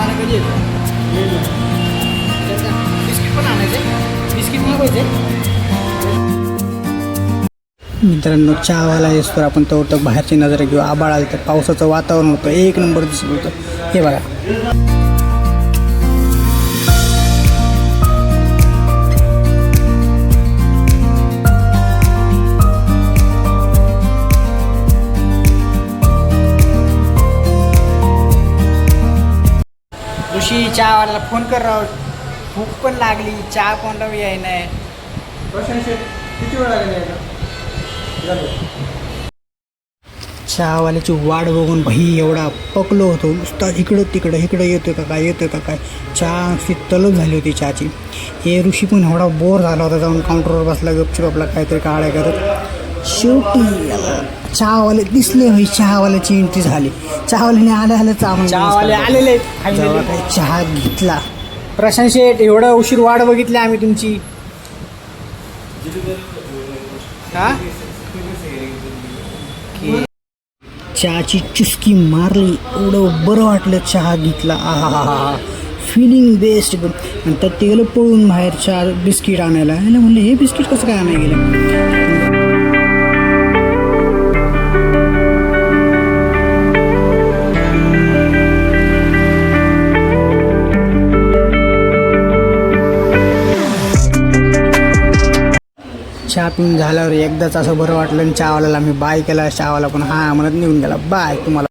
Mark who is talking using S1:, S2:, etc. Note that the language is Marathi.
S1: पाणी कधी येतं बिस्किट पण आणायचे बिस्किट मागवायचे. मित्रांनो चहावाला येतो आपण तर बाहेरची नजर घेऊ. आबाळ आलं तर पावसाचं वातावरण होतं एक नंबर दिसत होतं. हे बघा ऋषी चहावाल्याला फोन कर राव. भूक पण लागली चहा कोणता याय नाही. किती वेळ लागेल? चहावाल्याची वाट बघून भाई एवढा पकलो होतो नुसता इकडं तिकडं येतोय का काय चहा अशी तलब झाली होती चहाची. हे ऋषी पण एवढा बोर झाला होता जाऊन काउंटरवर बसला गपचूप आपला काहीतरी काढाय करत. शेवटी चहावाले दिसले भाई चहावाल्याची एंट्री झाली. चहावाल्याने आले चहावाले आलेले चहा घेतला. प्रशांत शेठ एवढा उशीर वाट बघितली आम्ही तुमची. हा चहाची चुस्की मारली एवढं बरं वाटलं. चहा घेतला आहा फिलिंग बेस्ट. पण तर ते गेलं पळून बाहेर चहा बिस्किट आणायला. म्हणलं हे बिस्किट कसं काय आणायला गेलं. चहा पिऊन झाल्यावर एकदाच असं बरं वाटलं आणि चहावाल्याला मी बाय केला. चहावाला पण हा म्हणत निघून गेला. बाय तुम्हाला.